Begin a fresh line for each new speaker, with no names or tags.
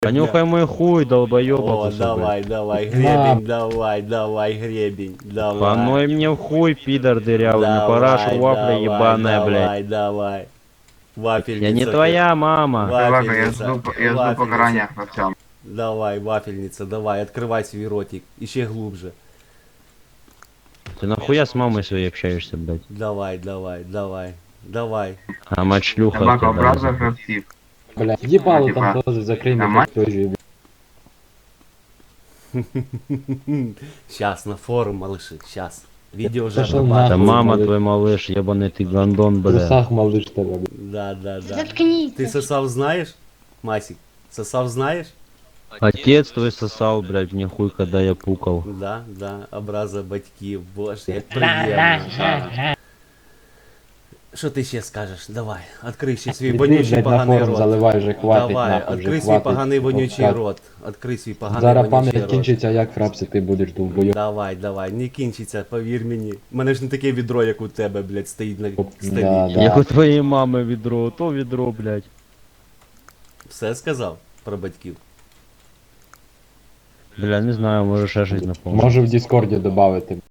Понюхай мой хуй, долбоёба
О,
кусок,
давай, давай, гребень, давай, давай, гребень, давай.
Паной мне в хуй, пидор дырявый, на парашу
Давай,
вафля
давай,
ебаная, блядь.
давай, давай. Вафельница.
Я не
ты.
твоя мама.
Ладно, я
Вафельница.
жду покарания во всем.
Давай, вафельница, давай, открывай свой ротик. Еще глубже.
Ты нахуя с мамой своей общаешься, блядь?
Давай, давай, давай, давай.
А мать шлюха.
Собакообразов актив.
Бля, ебало
Типа,
там тоже закрой мне
нормально?
как тоже,
Сейчас на форум, малыши, сейчас. Видео уже
Пошел
обрабатываю.
Да
нахуй.
мама
малыш.
твой малыш, ебаный ты гандон,
В
бля.
трусах малыш тогда, бля.
Да, да, да.
Заткнись.
Ты сосав знаешь, Масик? Сосав знаешь?
Отец твой сосал, блядь, мне хуй, когда я пукал.
Да, да, образа батьків, боже, як приємно. Да. Що ти ще скажеш? Давай, відкрий ще свій
Іди,
вонючий
блядь, на
поганий
форум
рот.
заливай вже, хватить
Давай,
нахуй, вже
відкрий свій
хватить.
поганий вонючий
От,
рот. Відкрий свій поганий
Зараз
вонючий
пам'ять
рот.
кінчиться, як фрапси ти будеш довбойоб.
Давай, давай, не кінчиться, повір мені. У мене ж не таке відро, як у тебе, блядь, стоїть на столі.
Да,
Як у
да.
твоєї мами відро, то відро, блядь.
Все сказав про батьків?
Бля, не знаю, може ще щось напомню.
Може в Діскорді додати.